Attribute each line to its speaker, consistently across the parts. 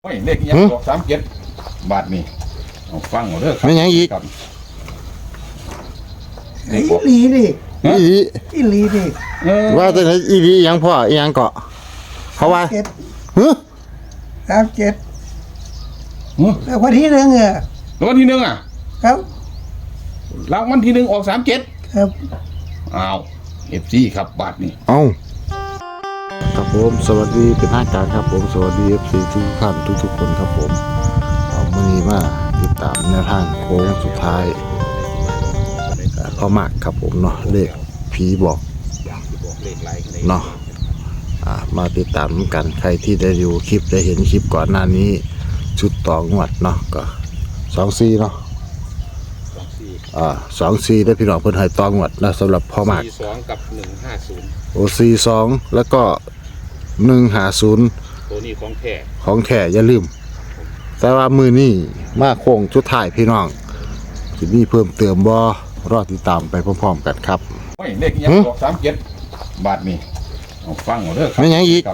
Speaker 1: โอ้ยเลขยังบอก37 บาทนี่เอาฟังเอาเด้อครับ
Speaker 2: ไม่ยังอีก
Speaker 1: ครับ
Speaker 3: อีหลีดิ
Speaker 2: อีหลี
Speaker 3: อีหลีดิ
Speaker 2: ว่าแต่ไหนอีหลียังพ่ออีหยังเกาะเขาว่า
Speaker 3: เจ็ด
Speaker 2: ฮึ
Speaker 3: 37
Speaker 1: หือ
Speaker 3: แล้ววันที่หนึ่งอ่ะ
Speaker 1: รางวัลที่หนึ่งอ่ะ
Speaker 3: ครับ
Speaker 1: รางวัลที่หนึ่งออก37
Speaker 3: ครับ
Speaker 1: อ้าว FC ครับบาทนี่
Speaker 2: เอาครับผมสวัสดีเป็นทางการครับผมสวัสดี FC ทุกท่านทุกๆคนครับผมเอามื้อนี้มาติดตามแนวทางโค้งสุดท้ายพ่อมากครับผมเนาะเลขผีบอกเนาะมาติดตามกันใครที่ได้ดูคลิปได้เห็นคลิปก่อนหน้านี้ชุดต่องวดเนาะก็24เนาะ24ได้พี่น้องเพิ่นให้ต่องวดนะสำหรับพ่อมาก
Speaker 1: 42กับ150
Speaker 2: โอ42แล้วก็150
Speaker 1: ตัวนี้ของแท้
Speaker 2: ของแท้อย่าลืม แต่ว่ามือนี้มาโค้งสุดท้ายพี่น้องสิมีเพิ่มเติมบ่รอติดตามไปพร้อมๆกันครับ
Speaker 1: โอ้ยเลขยังบอก37 บาทนี่เอาฟังเอาเด้อครับ
Speaker 2: ไม่ยังอีก
Speaker 1: ครับ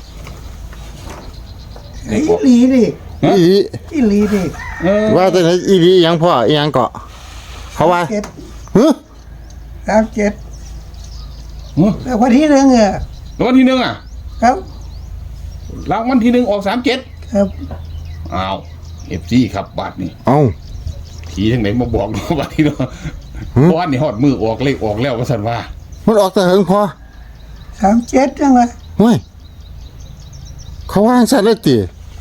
Speaker 3: อีหลีดิ
Speaker 2: อีหลี
Speaker 3: อีหลีดิ
Speaker 2: ว่าแต่ไหนอีหลียังพ่ออีหยังเกาะเขาว่า
Speaker 3: เจ็ด
Speaker 2: ฮึ
Speaker 3: 37
Speaker 1: หือ
Speaker 3: แล้ววันที่หนึ่งอ่ะ
Speaker 1: รางวัลที่หนึ่งอ่ะ
Speaker 3: ครับ
Speaker 1: รางวัลที่หนึ่งออก37
Speaker 3: ครับ
Speaker 1: อ้าว FC ครับบาทนี่
Speaker 2: เอา
Speaker 1: ผีทั้งไหนมาบอกเนาะบาทนี่เนาะเพราะว่านี่ฮอดมือออกเลขออกแล้วว่าซั่นว่า
Speaker 2: มันออกแต่เหิงพอ
Speaker 3: 37จังเลย
Speaker 2: เฮ้ยเขาว่าสั่นเลยติ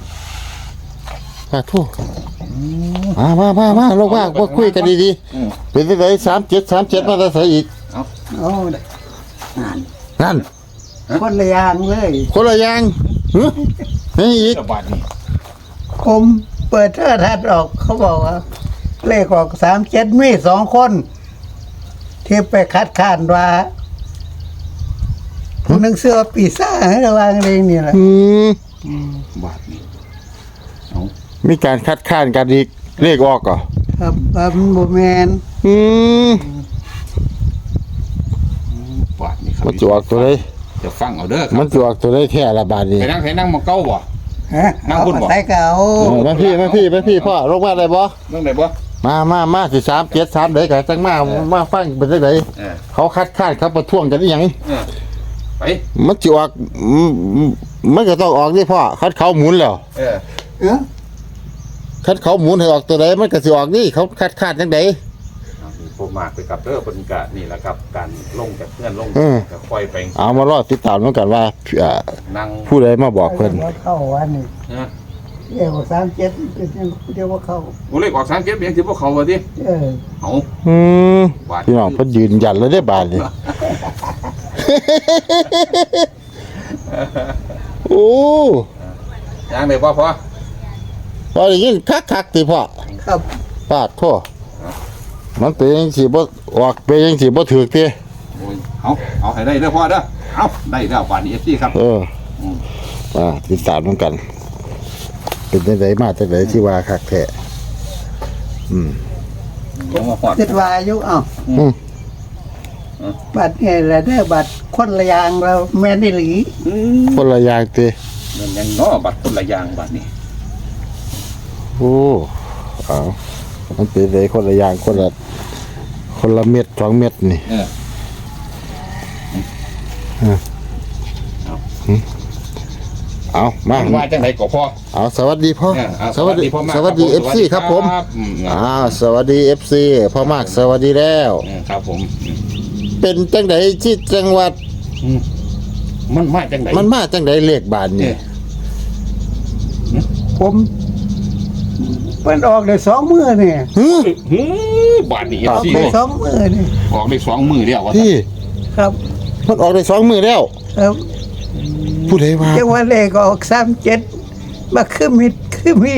Speaker 2: โทษมาลงมาบ่คุยกันดี
Speaker 1: อืม
Speaker 2: ๆเป็นจังได37มาแต่ไสอีก
Speaker 3: โอ้ย
Speaker 2: นั่น
Speaker 3: คนละอย่างเลย
Speaker 2: คนละอย่างฮึนี่อีก
Speaker 1: เจ้าบาทนี่
Speaker 3: ผมเปิดโทรทัศน์ออกเขาบอกว่า เลขออก37มี2คนที่ไปคัดค้านว่าผู้หนึงเสื้อปีซ่าให้ระวังเองนี่แหละ
Speaker 1: บาทนี่เอา
Speaker 2: มีการคัดค้านกันอีกเลขออกก่อ
Speaker 3: ครับมันบ่แมน
Speaker 1: บาทนี่ครับ
Speaker 2: มันจะออกตัวใด
Speaker 1: จะฟังเอาเด้อค
Speaker 2: มั
Speaker 1: รั
Speaker 2: น
Speaker 1: บ
Speaker 2: จะออกตัวใดแท้ละบาดนี้
Speaker 1: ไปนั่งหมองเก้าบ่
Speaker 3: ฮะ
Speaker 1: นั่ง
Speaker 3: เอา
Speaker 1: พูดบอก
Speaker 3: ใส่เก่า
Speaker 2: มาพี่พ่อลงมาได้บ่
Speaker 1: เรื่องไหนบ่
Speaker 2: มาสิ37 3เด้อก็จังมาฟังเป็นจังได
Speaker 1: เออ
Speaker 2: เขาคัดค้านเขาประท้วงกันอีหยัง
Speaker 1: เออไป
Speaker 2: มันจะออกมันก็ต้องออกนี่พ่อคัดเขาหมุนแล้ว
Speaker 1: เออ
Speaker 3: เออ
Speaker 2: คัดเขาหมุนให้ออกตัวใดมันก็สิออกนี่เขาคัดค้านจังได
Speaker 1: ผมมากไปกับเด้อเพิ่นก็นี่แหละครับการลงจากเพื่อนลงก็ค่อยไป
Speaker 2: เอามารอติดตามกันว่า
Speaker 1: นั่ง
Speaker 2: ผู้ใดมาบอกเพิ่น
Speaker 3: เข้าวันนี้
Speaker 1: นะ
Speaker 3: เอว37เป็นยังเดียวว่าเข้า
Speaker 1: โอ้เลขออก37เป็นยังสิบ่เข้าว่าติ
Speaker 3: เออ
Speaker 1: เอา
Speaker 2: อืม
Speaker 1: บาท
Speaker 2: พี่น้องเพิ่นยืนยันเลยได้บาดนี้ โอ้
Speaker 1: ยังได้บ่พอ
Speaker 2: พอได้ยินคักๆติพ่อ
Speaker 3: ครับ
Speaker 2: ปาดโทษมันเป็นจังซี่บ่ออกเป็นจังซี่บ่ถูกติ
Speaker 1: โอ้ยเอาให้ได้เด้อพ่อเด้อเอาได้แล้วบาทนี้ FC ครับ
Speaker 2: ติดตามกัน เป็นจังไดมาจังไดที่ว่าคักแท้
Speaker 1: ลงมาฮอด
Speaker 3: คิดว่าอยู่เอ้า
Speaker 2: อืม
Speaker 3: บัตรเนี่ยแหละเด้อบัตรคนละอย่างเราแม่นอีหลี
Speaker 2: คนละอย่างติ
Speaker 1: มันยังเนาะบัตรคนละอย่างบาทนี้
Speaker 2: โอ้เอามันเป็นไดคนละอย่างคนละเม็ด2เม็ดนี่
Speaker 1: เออ
Speaker 2: เอามา
Speaker 1: ว่าจังไดก็พอ
Speaker 2: เอาสวัสดีพ่อ
Speaker 1: เอา
Speaker 2: สวัสดี
Speaker 1: พ่อมาก
Speaker 2: สวัสดี
Speaker 1: ครับ
Speaker 2: FC ครับผม
Speaker 1: อืม
Speaker 2: สวัสดี FC พ่อมากสวัสดีแล้ว
Speaker 1: ครับผม
Speaker 2: เป็นจังไดที่จังหวัด
Speaker 1: มันมาจังได
Speaker 2: มันมาจังไดเลขบาทนี่
Speaker 3: ผมมันออกได้2มื้อนี่
Speaker 1: บาทนี้
Speaker 3: ออก
Speaker 1: FC
Speaker 3: ได้2มื้อนี่
Speaker 1: ออกได้2มื้อแล้วว่า
Speaker 2: ที่
Speaker 3: ครับ
Speaker 2: มันออกได้2มื้อแล้ว
Speaker 3: ครับ
Speaker 2: ผู้ใดว่า
Speaker 3: จังว่าเลขออก37มาคือมิด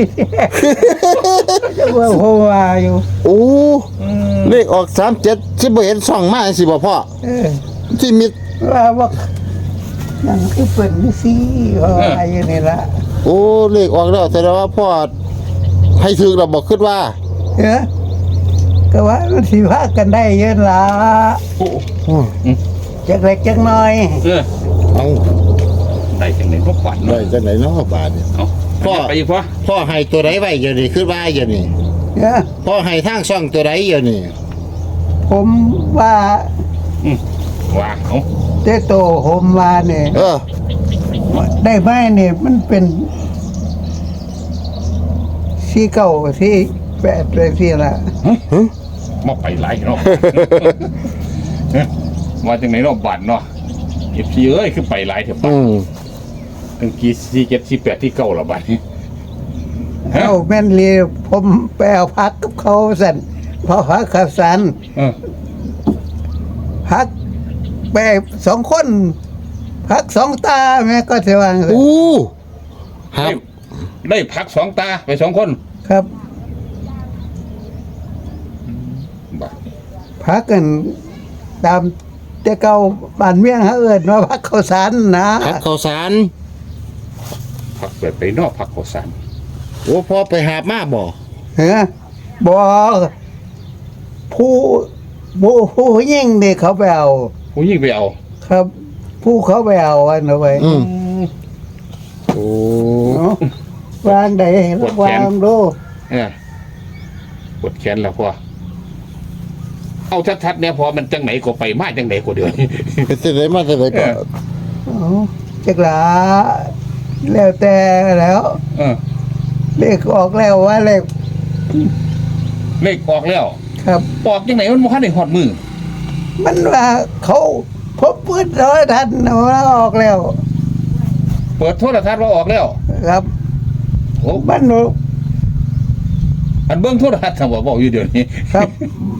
Speaker 3: จังว่าโหว่าอยู่
Speaker 2: โอ้เลขออก37สิบ่เห็นช่องมาจังซี่บ่พ่อ
Speaker 3: เออ
Speaker 2: ที่มิด
Speaker 3: ว่านั่นคือเปิดนี่สิว่าอยู่นี่ล่ะ
Speaker 2: โอ้เลขออกแล้วแสดงว่าพ่อให้ถึกเราบอกคิดว่า
Speaker 3: เออก็ว่ามันสิพากันได้เยอะล่ะ
Speaker 1: โอ้
Speaker 2: โอ้
Speaker 3: จักเล็กจักน้อย
Speaker 1: เออ
Speaker 2: เอา
Speaker 1: ได้จังได๋บ่ฝัน
Speaker 2: ได้
Speaker 1: เนาะ
Speaker 2: จังไดเนาะบาทนี่
Speaker 1: เอา
Speaker 2: พ่อ
Speaker 1: ไปอีกพ่อ
Speaker 2: พ่อให้ตัวใดไว้อยู่นี่คือว่าอยู่นี่
Speaker 3: เนี่ย
Speaker 2: พ่อให้ทางช่องตัวใดอยู่นี่
Speaker 3: ผมว่า
Speaker 1: ว่าเอา
Speaker 3: เตโตผมว่าเนี่ย
Speaker 2: เออ
Speaker 3: ได้ไหมเนี่ยมันเป็นที่เก่าที่แปดเลยที่ละ
Speaker 1: มาไปหลายเนาะ มาจากไหนเนาะบัตรเนาะFCเอ้ยคือไปหลายเถอะบัต
Speaker 2: อื
Speaker 1: ร
Speaker 2: ม
Speaker 1: ตั้งกี่47 48ที่เก่าละบัตรนี้ ฮะ
Speaker 3: เอาแม่นเรียผมไปเอาพักกับเขาสั่นพอพักขับสัน
Speaker 1: เออ
Speaker 3: พักไปสองคน พักสองตาแม่ก็จะวางสิ
Speaker 2: อู้ครับ
Speaker 1: ได้พัก2 ตาไป2 คน
Speaker 3: ครับ
Speaker 1: บัตร
Speaker 3: พักกันตามแต่เก่าบ้านเมียงเขาเอิญว่าพักเขาสันนะ
Speaker 2: พักข้าวสาร
Speaker 1: พักเปิดไปนอกพักข้าวสาร
Speaker 2: โอ้พ่อไปหาบมาบ่
Speaker 3: เฮ้บอกผู้ยิ่งเนี่ยเขาไปเอา
Speaker 1: ผู้ยิ่งไปเอา
Speaker 3: ครับ ผู้เขาไปเอาอันเอาไว้
Speaker 2: อืมโอ้
Speaker 3: เนาะวางได้วางดู
Speaker 1: เออปวดแขนแล้วพ่อเอาชัดๆเนี่ยพอมันจังไหนก็ไปมาจังไหนก็เดือน
Speaker 2: ไปเสด็จมาเสด็จก็
Speaker 3: เอาจักหลาแล้วแต่แล้ว
Speaker 1: เออ
Speaker 3: เลขออกแล้วว่าเลข
Speaker 1: เลขออกแล้ว
Speaker 3: ครับ
Speaker 1: ออกจังไหนมันบ่ทันได้ฮอดมือ
Speaker 3: มันว่าเขาพบปืนร้อยทันว่าออกแล้ว
Speaker 1: เปิดโทรทัศน์ว่าออกแล้ว
Speaker 3: ครับ
Speaker 1: โอ้
Speaker 3: มัน
Speaker 1: อันเบิ่งโทรทัศน์ทำบ่บอกอยู่เดี๋ยวนี้
Speaker 3: ครับ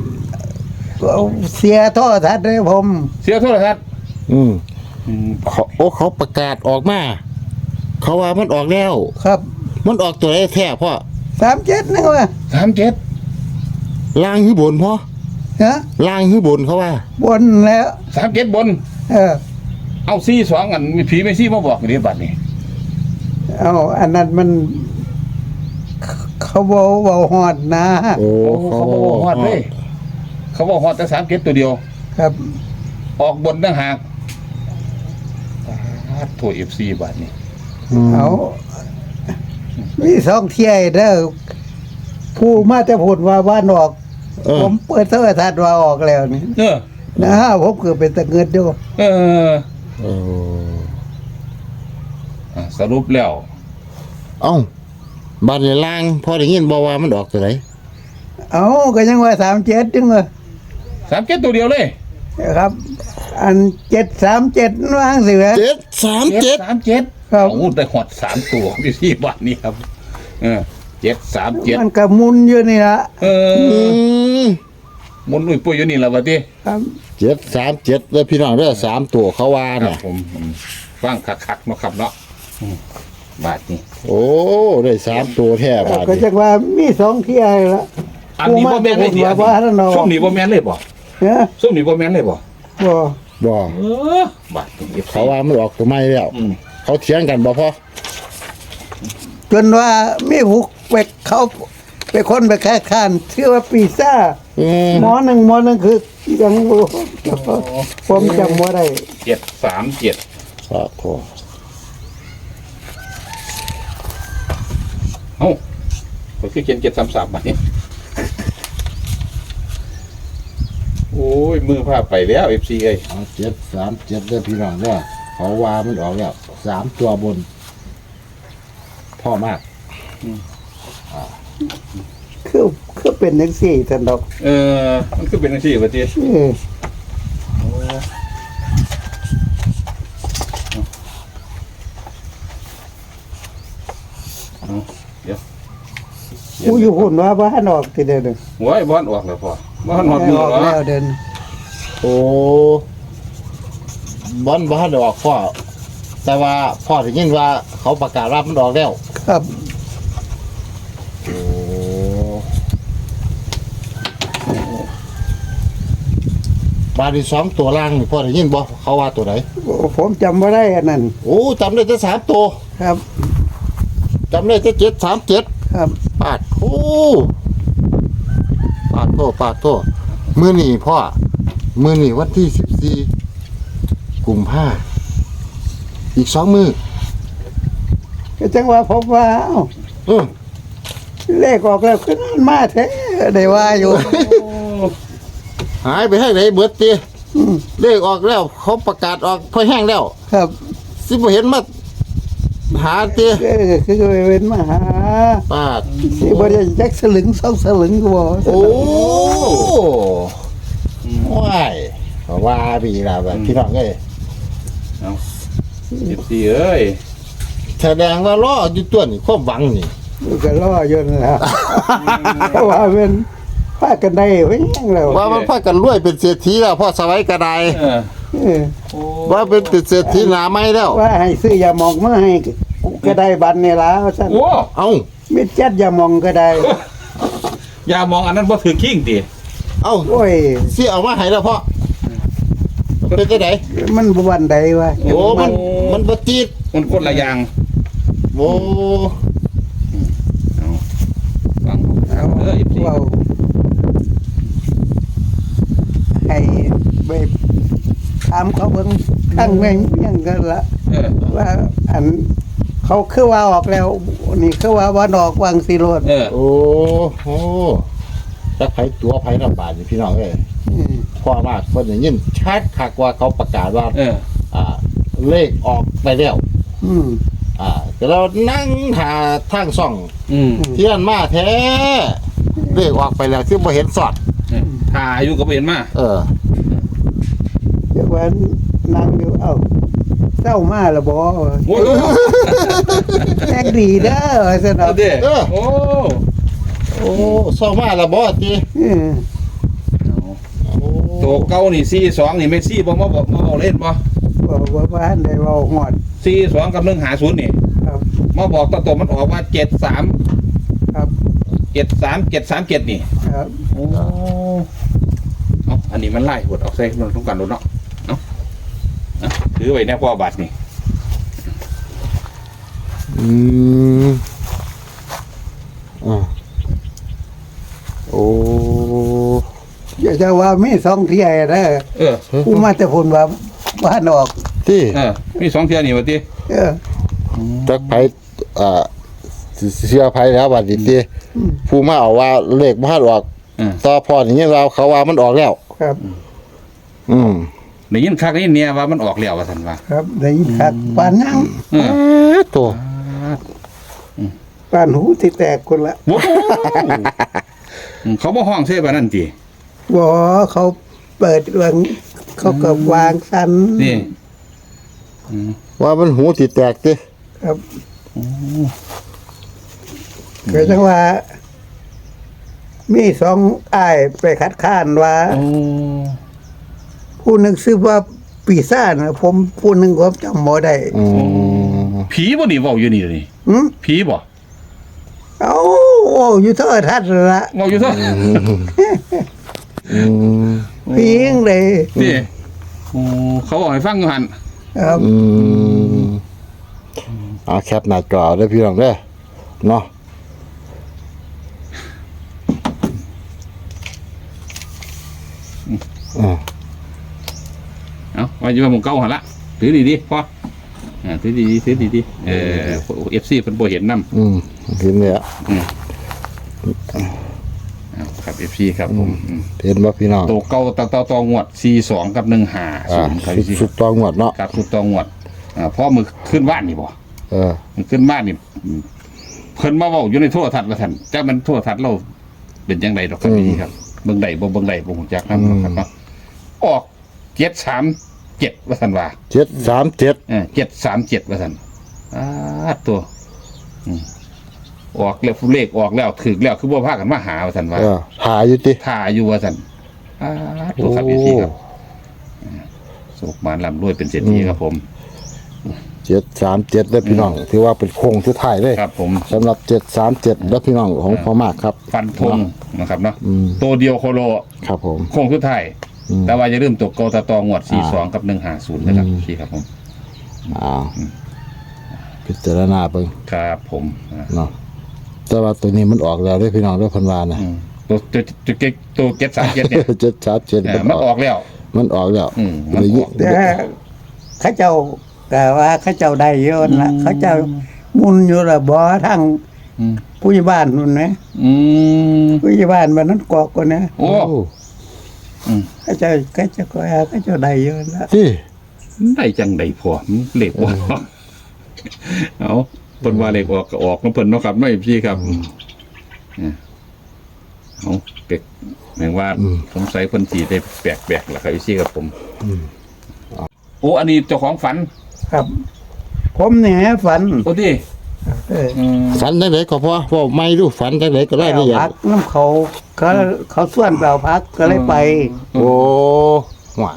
Speaker 3: เสียโทษทันเลยผม
Speaker 1: เสียโทรทัศน์
Speaker 2: อืมเขาประกาศออกมา เขาว่ามันออกแล้ว
Speaker 3: ครับ
Speaker 2: มันออกตัวไหนแท้พ่อ
Speaker 3: 37นึงว่า
Speaker 1: 37
Speaker 2: ล่างหรือบนพ่อ
Speaker 3: ฮะ
Speaker 2: ล่างหรือบนเขาว่า
Speaker 3: บนแล้ว
Speaker 1: 37บน
Speaker 3: เออ
Speaker 1: เอา42อันมีผีไม่ซี่มาบอกเดี๋ยวบัดนี้
Speaker 3: เอาอันนั้นมันเขาบอกฮอดนะ
Speaker 2: โอ้
Speaker 1: โอ้เขาบอกฮอดเลยเขาบอกฮอดแต่37ตัวเดียว
Speaker 3: ครับ
Speaker 1: ออกบนต่างหากโทร FC บัดนี้
Speaker 3: เอามีสองเที่ยเด้อผู้มาจะพูดว่าบ้านออก
Speaker 2: เออ
Speaker 3: ผมเปิดโทรทัศน์ว่าออกแล้วนี่
Speaker 1: เออ
Speaker 3: นะผมคือเป็นตะเงินอยู่
Speaker 1: เออ
Speaker 2: เออ
Speaker 1: สรุปแล้ว
Speaker 2: เอ้าบ้านในล่างพ่อได้ยินบอกว่ามันออกตัวไหน
Speaker 3: เอาก็ยังว่า37จังว่า
Speaker 1: 37ตัวเดียวเลย
Speaker 3: ครับ อัน737ว่างสิแหวะ
Speaker 1: 737
Speaker 3: ครับ
Speaker 1: โอ้ได้ฮอด3ตัวที่บัดนี้ครับ เออ737
Speaker 3: มันก็หมุนอยู่นี่ละ
Speaker 1: เอ
Speaker 2: อื
Speaker 1: อ
Speaker 2: ม
Speaker 1: หมุนอุ้ยปุ้ยอยู่นี่แหละบัดนี้
Speaker 3: ครับ
Speaker 2: 737เลยพี่น้องเด้อ3ตัวเขาว่า
Speaker 1: ครับ
Speaker 2: น่ะ
Speaker 1: ผมฟังคักๆเนาะครับเนาะบาทนี้
Speaker 2: โอ้ได้3ตัวแท้บาด
Speaker 3: ก็
Speaker 2: นี้
Speaker 3: จักว่ามีสองเที่ยละ
Speaker 1: อันนี้บ่แม่นเลยดิ
Speaker 3: ว่าว่าแล้วเนาะ
Speaker 1: ส้มนี่บ่แม่นเลยบ่
Speaker 3: เฮ้ย
Speaker 1: ส้มนี่บ่แม่นเลยบ่
Speaker 3: บ่
Speaker 2: บ่
Speaker 1: บาทนี้
Speaker 2: เขาว่ามันออกตัวใหม่แล้ว
Speaker 1: อืม
Speaker 2: เขาเถียงกันบ่พ่อ
Speaker 3: จนว่ามีผู้ไปคนไปแค่ข้านชื่อว่าปีซ่า
Speaker 2: อืม
Speaker 3: หมอหนึ่งคือยังบ่ผมจำบ่ได้
Speaker 1: 737
Speaker 2: ครับพ่อ
Speaker 1: เอ้าก็คือเขียน733บาทนี้โอ้ยมือพาไปแล้ว FC เอ้ย
Speaker 2: เอา737เด้อพี่น้องเด้อเขาว่ามันออกแล้ว3ตัวบน พ่อมาก
Speaker 3: คือเป็นจังซี่ท่านดอก
Speaker 1: มันคือเป็นจังซี่บัดนี้
Speaker 3: เออ
Speaker 1: เดี๋ยว
Speaker 3: กูอยู่หุ่นว่าบ้านออกทีเดียวนึง
Speaker 1: โอ้ยบ่อนออกแล้วพ่อบ่อนฮอดมือ
Speaker 3: ออก
Speaker 1: แล้
Speaker 3: แล้ว วเดิน
Speaker 2: โอ้บอลบ้านออกพ่อ แต่ว่าพ่อได้ยินว่าเขาประกาศรับมันออกแล้ว
Speaker 3: ครับ
Speaker 2: โอ้บาทที่2ตัวล่างนี่พ่อได้ยินบ่เขาว่าตัวไหน
Speaker 3: ผมจำบ่ได้อันนั้น
Speaker 2: โอ้จำได้แต่3ตัว
Speaker 3: ครับ
Speaker 2: จำได้แต่737
Speaker 3: ครับ
Speaker 2: ปาดโอ้ปาดโทมื้อนี้พ่อมื้อนี้วันที่14กุมภาอีก2มื้อ
Speaker 3: ก็จังว่าผมว่าเอ้า
Speaker 2: เออ
Speaker 3: เลขออกแล้วขึ้นมาแท้ได้ว่าอยู่
Speaker 2: หายไปให้ไหนเบิดตี
Speaker 3: อืม
Speaker 2: เลขออกแล้ว เขาประกาศออกพอแห้งแล้ว
Speaker 3: ครับ
Speaker 2: สิบ่เห็นมาหาตี
Speaker 3: คือเว้นมาหา
Speaker 2: ปาด
Speaker 3: สิบ่ได้จักสลึงสองสลึงก็บ่
Speaker 2: โอ้ว้ายว่าพี่ล่ะแบบพี่น้องเอ้ย
Speaker 1: เอา14เอ้ย
Speaker 2: แสดงว่ารออยู่ตัวนี่ความหวังนี่
Speaker 3: ก็รออยู่นั่นแหล้วเพราะว่าเป็นพากันได้ไว้ยังแล้ว
Speaker 2: ว่ามันพากันรวยเป็นเศรษฐีแล้วพ่อสวัยกระได
Speaker 1: เออ
Speaker 3: เออ
Speaker 1: โอ้
Speaker 2: ว่าเป็นเศรษฐีหนาไม้แล้ว
Speaker 3: ว่าให้ซื้อยาหมองมาให้ก็ได้บัตรนี่ล่ะว่าซั่น
Speaker 1: โอ้
Speaker 2: เอ้า
Speaker 3: มิดจัดยาหมองก็ได้
Speaker 1: อย่ามองอันนั้นบ่ถือขิงติ
Speaker 2: เอ้า
Speaker 3: โอ้ย
Speaker 2: สิเอามาให้แล้วพ่อเป็นจังได
Speaker 3: มันบ่วันใดวะ
Speaker 2: โอ้มันบ่ติด
Speaker 1: มันคนละอย่าง
Speaker 2: โอ้
Speaker 1: เอาฟัง
Speaker 3: เอา
Speaker 1: เออ14
Speaker 3: เว้าให้ไปถามเขาเบิ่งข้างแม่งยังกันละ
Speaker 1: เออ
Speaker 3: ว่าอันเขาคือว่าออกแล้ว นี่คือว่าวันออกวางสิโรด
Speaker 1: เออ
Speaker 2: โอ้โหจักไผตัวไผลำบากนี่พี่น้องเอ้ยพ่อมากเพิ่นได้ยินชัดคักว่าเขาประกาศว่า
Speaker 1: เออ
Speaker 2: เลขออกไปแล้ว
Speaker 3: อืม
Speaker 2: ก็เรานั่งหาทางซ่อง
Speaker 1: อืม
Speaker 2: เที่ยนมาแท้เลขออกไปแล้วที่บ่เห็นสอด
Speaker 1: ถ้าอายุก็บ่เห็นมา
Speaker 2: เออ
Speaker 3: เดี๋ยววันนั่งอยู่เอ้าเศร้ามาแล้วบ่
Speaker 1: โอ้ย
Speaker 3: แอกดีเด้อสน
Speaker 1: เอา
Speaker 3: อ
Speaker 1: ดิ
Speaker 2: เออ
Speaker 1: โอ้
Speaker 2: โอ้ซ่อมาแล้วบ่ติ
Speaker 3: เออ
Speaker 1: ตัวเก่านี่42นี่ไม่4บ่มาบอกมาเอาเล่นบ่
Speaker 3: บอกว่าบ้านได้เว้าฮอด
Speaker 1: 42กับ150นี่
Speaker 3: ครับ
Speaker 1: มาบอกตัวมันออกว่า73
Speaker 3: ครับ
Speaker 1: 737นี่
Speaker 3: ครับ
Speaker 1: โอ้เอาอันนี้มันไล่หดออกใส่มันต้องการโดนเนาะเอาถือไว้แน่พ่อบาทนี่
Speaker 2: อืมโอ้
Speaker 3: อย่าจะว่ามีสองเที่ยเด้อ
Speaker 1: เออ
Speaker 3: ผู้มาแต่พุ่นว่าบ้านออก
Speaker 2: ที่
Speaker 1: มี2เที่ยนี่ว่าติ
Speaker 3: เออ
Speaker 2: จักไผเสียไผแล้วบัดนี้ติผู้มาเอาว่าเลขบ่ทันออก ต่อพอนี่เราเขาว่ามันออกแล้ว
Speaker 3: ครับ
Speaker 2: อืม
Speaker 1: ได้ยินคักได้ยินเนี่ยว่ามันออกแล้วว่าซั่นว่า
Speaker 3: ครับได้ยินคักปานยัง
Speaker 1: เออ
Speaker 2: ตัว
Speaker 3: ปานหูที่แตกคนละ
Speaker 1: โอ้โหเขาบ่ห้องเซ่บานั่นติ
Speaker 3: บ่เขาเปิดเรื่องเขาก็วางสัน
Speaker 1: นี่
Speaker 2: ว่ามันหูติแตกติ
Speaker 3: ครับก็จังว่า มีสองอ้ายไปคัดค้านว่า
Speaker 1: โอ้
Speaker 3: ผู้หนึ่งซื้อว่าปีซ่าจนะผมผู้หนึ่งผมจำบ่ได้
Speaker 2: อืม
Speaker 1: ผีบ่นี่เว้าอยู่นี่นี่
Speaker 3: หืม
Speaker 1: ผีบ่
Speaker 3: เอาอยู่เท่าทัดละ
Speaker 1: เว้าอยู่ซะ
Speaker 2: อืม
Speaker 3: พิงเลย
Speaker 1: นี่โอ้เขาบอกให้ฟังอยู่หั่น
Speaker 3: ครับ
Speaker 2: อืมเอาแคปหน้าจอเด้อพี่น้องเด้อเนาะ
Speaker 1: เอาว่าอยู่ว่าหมู่เก่าหั่นละถือดีๆพอถือดีๆถือดีๆFC เพิ่นบ่เห็นนำ
Speaker 2: เห็นแล้ว
Speaker 1: ครับ FC ครับผม
Speaker 2: เห็นบ่พี่น้อง
Speaker 1: ตัวเก่าตองวด42กับ150ครับ
Speaker 2: สุดตองหมดเนาะ
Speaker 1: ครับสุดตองวดพอมือขึ้นบ้านนี่บ่
Speaker 2: เออ
Speaker 1: มันขึ้นบ้านนี่เพิ่นมาเว้าอยู่ในโทรทัศน์ว่าซั่นจักมันโทรทัศน์เราเป็นจังไดดอกครับพี่ครับเบิ่งได้บ่ฮู้จักนำครับเนาะออก737ว่าซั่นว่า
Speaker 2: 737
Speaker 1: 737ว่าซั่นตัวออกแล้วเลขออกแล้วถึกแล้วคือบ่พากันมาหาว่าซั่นว่า
Speaker 2: หาอยู่ติ
Speaker 1: ท่าอยู่ว่าซั่นตัวครับพี่ครับสุขมานร่ำรวยเป็นเศรษฐีครับผม
Speaker 2: 737เด้อพี่น้องถือว่าเป็นโค้งสุดท้ายเลย
Speaker 1: ครับผม
Speaker 2: สำหรับ737เด้อพี่น้องของพ่อมากครับ
Speaker 1: ฟันธงนะครับเนาะ
Speaker 2: อืม
Speaker 1: ตัวเดียวโคโล
Speaker 2: ครับผม
Speaker 1: โค้งสุดท้าย
Speaker 2: อืม
Speaker 1: แต่ว่าอย่าลืมตกเกาตะตองวด42กับ150นะครับพี่ครับผม
Speaker 2: พิจารณาเบิ่ง
Speaker 1: ครับผม
Speaker 2: เนาะแต่ว่าตัวนี้มันออกแล้วเด้อพี่น้องเด้อเพิ่นว่านะ
Speaker 1: ตัวเก็ต37เนี่ย
Speaker 2: 737
Speaker 1: มันออกแล้ว
Speaker 2: มันออกแล้ว
Speaker 1: มันออก
Speaker 3: แต่เขาเจ้าก็ว่าเขาเจ้าได้เยอะนะเขาเจ้ามุนอยู่ละบ่ทาง
Speaker 1: อืม
Speaker 3: ผู้ใหญ่บ้านนู่นนะ
Speaker 1: อืม
Speaker 3: ผู้ใหญ่บ้านบ้านนั้นกอกก็นะ
Speaker 1: โอ้อืม
Speaker 3: ก็จะก็จะได้เยอะละ
Speaker 2: ที่
Speaker 1: ได้จังไดพอเลขบ่เอาเพิ่นว่าเลขออกก็ออกของเพิ่นเนาะครับไม่พี่ครับเอาเป็กแม่งว่าสงสัยเพิ่นสิได้แปลกๆล่ะครับพี่ครับผมโอ้อันนี้เจ้าของฝัน
Speaker 3: ครับ ผมเนี่ยฝัน
Speaker 1: โอ้ดิ
Speaker 3: เออ
Speaker 2: ฝันจังไดก็พอบอกไม่ดูฝันจังไดก็ได้
Speaker 3: เอา
Speaker 2: นี่
Speaker 3: พักน้ำเขาส่วนเปล่าพักก็เลยไป
Speaker 2: โอ้ว่า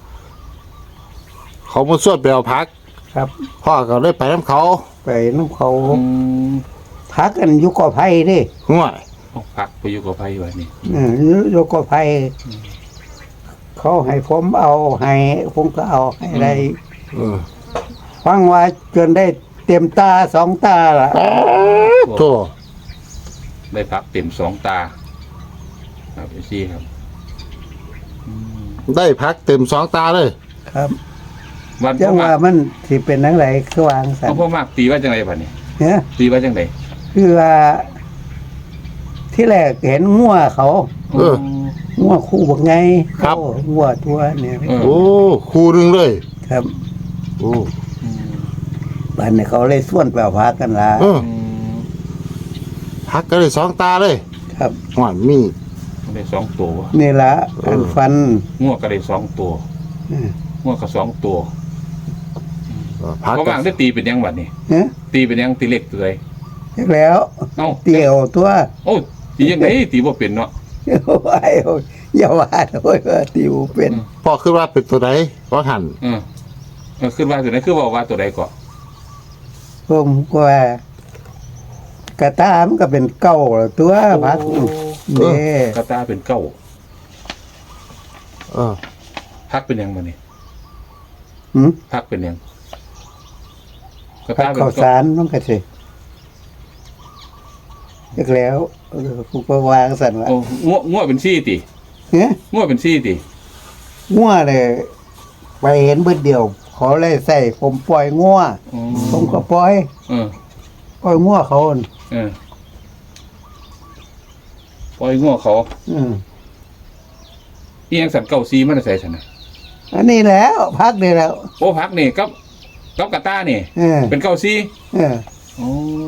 Speaker 2: เขามาสวดไปเอาพัก
Speaker 3: ครับ
Speaker 2: พ่อก็เลยไปน้ำเขา
Speaker 3: ไปน้ำเขาพักกันอยุกอไผ่ดิ
Speaker 2: ห่วย
Speaker 1: พักไปอยู่กับไผไว้นี่
Speaker 3: ยุกอไผ่เขาให้ผมเอาให้ผมก็เอาให้ได้
Speaker 2: เออ
Speaker 3: ฟังว่าจนได้เต็มตาสองตาละ
Speaker 2: โธ่
Speaker 1: ได้พักเต็ม2 ตาครับพี่ครับ
Speaker 2: ได้พักเต็ม2 ตาเลย
Speaker 3: ครับ
Speaker 1: วัน
Speaker 3: จั
Speaker 1: พ่
Speaker 3: ง
Speaker 1: อมา
Speaker 3: ว่าก มันสิเป็นนังไรคือวางสัน
Speaker 1: พ่อมากตีว่าจังไดบัดนี้
Speaker 3: เนี่ย
Speaker 1: ตีว่าจังได
Speaker 3: คือว่า ที่แรกเห็นงัวเขา
Speaker 2: เออ
Speaker 3: งัวคู่บักไง
Speaker 2: ครับ
Speaker 3: โอ้งัวตัวเนี่ย
Speaker 2: โอ้คูหนึงเลย
Speaker 3: ครับ
Speaker 2: โอ้
Speaker 3: บ้านเนี่ยเขาเลยส่วนเปล่าพักกันละ
Speaker 2: เออพักก็ได้2 ตาเลย
Speaker 3: ครับ
Speaker 2: หวานมี
Speaker 1: ได้2 ตัว
Speaker 3: นี่ละอันฟัน
Speaker 1: งัวก็ได้2 ตัว
Speaker 3: เออ
Speaker 1: งัวก็2 ตัว
Speaker 2: พัก
Speaker 1: พ่อ
Speaker 2: ก็
Speaker 1: มากได้ตีเป็นยังบัดนี้
Speaker 3: เนี่ย
Speaker 1: ตีเป็นยังตีเล็กตัวใด
Speaker 3: เรียกแล้ว
Speaker 1: เอ้า
Speaker 3: เตี่ยวตัว
Speaker 1: โอ้ตียังไงตีบ่เป็นเนาะ
Speaker 3: ไอ้โอ้ยอย่าว่าโอ้ยว่าติวเป็น
Speaker 2: พ่อคิดว่าเป็นตัวไหนก็หัน
Speaker 1: ขึ้นว่าตัวไหนคือว่าตัวใดก่อน
Speaker 3: ผมก็ว่ากระตามันก็เป็นเก้าละตัวพักเด้
Speaker 1: กระตาเป็นเก้า
Speaker 2: เออ
Speaker 1: พักเป็นยังบัดนี้
Speaker 3: หืม
Speaker 1: พักเป็นยังกระ
Speaker 3: พั
Speaker 1: ตาก เป็น
Speaker 3: ข้าวสารมันก็สิเรียกแล้วผมก็วางสั่นว่า
Speaker 1: โอ้งัวเป็นซี่ติ
Speaker 3: เนี่ย
Speaker 1: งัวเป็นซี่ติ
Speaker 3: งัวเลยไปเห็นเบิดเดียวเขาเลยใส่ผมปล่อยงัวผมก็ปล่อย
Speaker 1: เออ
Speaker 3: ปล่อยงัวเขาอั่น
Speaker 1: ปล่อยงัวเขา
Speaker 3: อืม
Speaker 1: เอียงสันเก้าซีมันใส่ฉันนะ
Speaker 3: อันนี้แล้วพักได้แล้ว
Speaker 1: โอ้พักนี่กับกระตานี่
Speaker 3: เออ
Speaker 1: เป็นเก้าซี
Speaker 3: เออ
Speaker 1: โอ้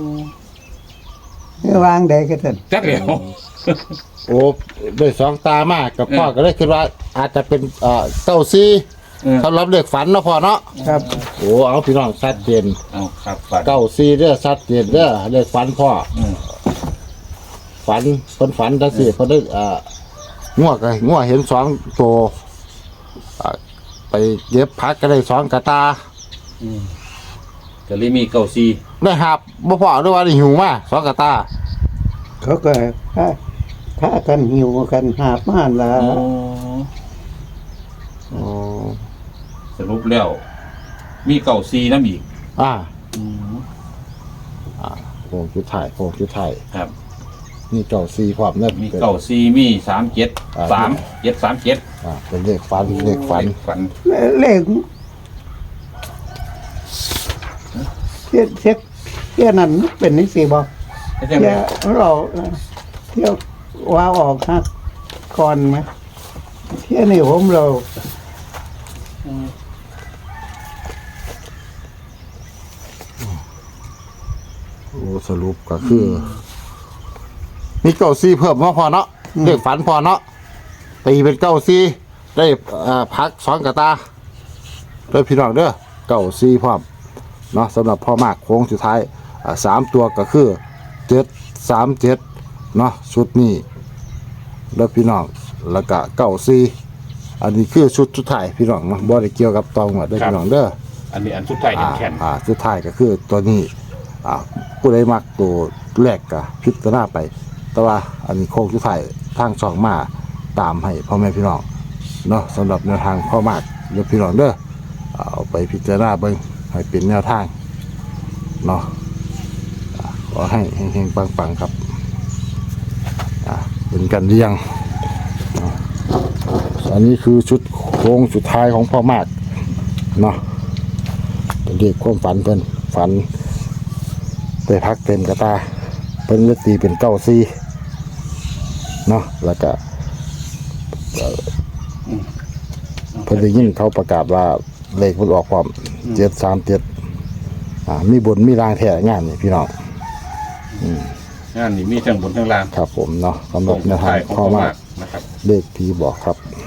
Speaker 3: วางได้ก็ท่าน
Speaker 1: จักเดียว
Speaker 2: โอ้ได้2 ตามากกับพ่อก็เลยคิดว่า อาจจะเป็นเก้าซี สำหรับเด็กฝันเนาะพ่อเนาะ
Speaker 3: ครับ
Speaker 2: โอ้เอาพี่น้องชัดเจน
Speaker 1: เอาครับฝัน
Speaker 2: เก้าซีเด้อชัดเจนเด้อเด็กฝันพ่อ
Speaker 1: อืม
Speaker 2: ฝันเพิ่นฝันจังซี่เพิ่นได้งัวเห็น2 ตัวไปเย็บพักก็ได้2 กระตา
Speaker 1: ก็เลยมีเก้าซี
Speaker 2: ได้หับบ่พอด้วยว่าได้หิวมา2 กระตา
Speaker 3: เขาก็ถ้ากันหิวกันหาบม่านละ
Speaker 2: อ๋อ
Speaker 1: สรุปแล้ว มีเก้าซีน้ำอีก
Speaker 2: โค้งสุดท้าย
Speaker 1: ครับ
Speaker 2: นี่เก้าซีพร้อมเด้อ
Speaker 1: มีเก้าซีมี37 37
Speaker 2: เป็นเลขฝัน
Speaker 1: ฝัน
Speaker 3: เลขเที่ยนั้นเป็นนิสิบ่
Speaker 1: ไม่ใช่ไหม
Speaker 3: เที่ยเราเที่ยวว่าออกฮักก่อนไหมเที่ยนี่ผมเรา
Speaker 2: โอ้สรุปก็คือมีเก้าซีเพิ่มมาพอเนาะเลขฝันพอเนาะตีเป็นเก้าซีได้พัก2 กระตาเด้อพี่น้องเด้อเก้าซีพร้อมเนาะสำหรับพ่อมากโค้งสุดท้าย3 ตัวก็คือ737เนาะชุดนี้แล้วพี่น้องแล้วก็เก้าซีอันนี้คือชุดสุดท้ายพี่น้องเนาะบ่ได้เกี่ยวกับตองหมดเด้อพี่น้องเด้อ
Speaker 1: อันนี้อันสุดท้ายแข็ง
Speaker 2: สุดท้ายก็คือตัวนี้ผู้ใดมักตัวแรกก็พิจารณาไป แต่ว่าอันนี้โค้งสุดท้ายทางช่องมาตามให้พ่อแม่พี่น้องเนาะสำหรับแนวทางพ่อมากเดี๋ยวพี่น้องเด้อเอาไปพิจารณาเบิ่งให้เป็นแนวทางเนาะขอให้เฮงๆปังๆครับเป็นกันเรียงอันนี้คือชุดโค้งสุดท้ายของพ่อมากเนาะเป็นเรียกความฝันเพิ่นฝันได้พักเต็มกระตาเพิ่นเลยตีเป็นเก้าซีเนาะแล้วก็เพิ่นได้ยินเขาประกาศว่าเลขมันออกความ737มีบนมีรางแท้งานนี่พี่น้อง
Speaker 1: งานนี้มีทั้งบนทั้งล่าง
Speaker 2: ครับผมเนาะสำหรับแนวทาง
Speaker 1: ของ
Speaker 2: พ่อ
Speaker 1: พ่อ
Speaker 2: มาม
Speaker 1: าก กนะครับ
Speaker 2: เลขผีบอกครับ